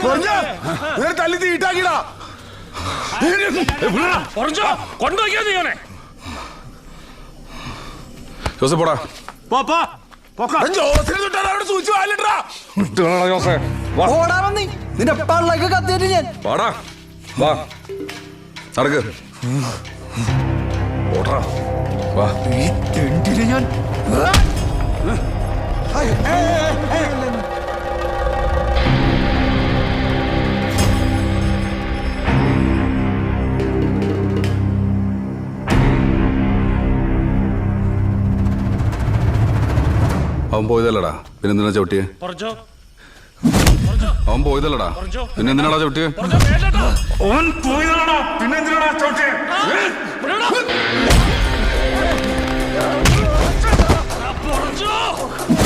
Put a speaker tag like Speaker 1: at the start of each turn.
Speaker 1: തല്ലി തീട്ടാക്കിടാ ജോസഫ് പോടാ
Speaker 2: നിന്റെ പള്ളക്ക് കത്തിയിട്ട് ഞാൻ
Speaker 1: വാടാ വാ നടക്ക് ഓടാ വാ
Speaker 2: ഞാൻ
Speaker 1: അവൻ പോയതല്ലടാ പിന്നെന്തിനാ ചവിട്ടിയെ അവൻ പോയതല്ലടാ പിന്നെന്തിനാടാ ചവിട്ടിയെ
Speaker 3: പറഞ്ഞോ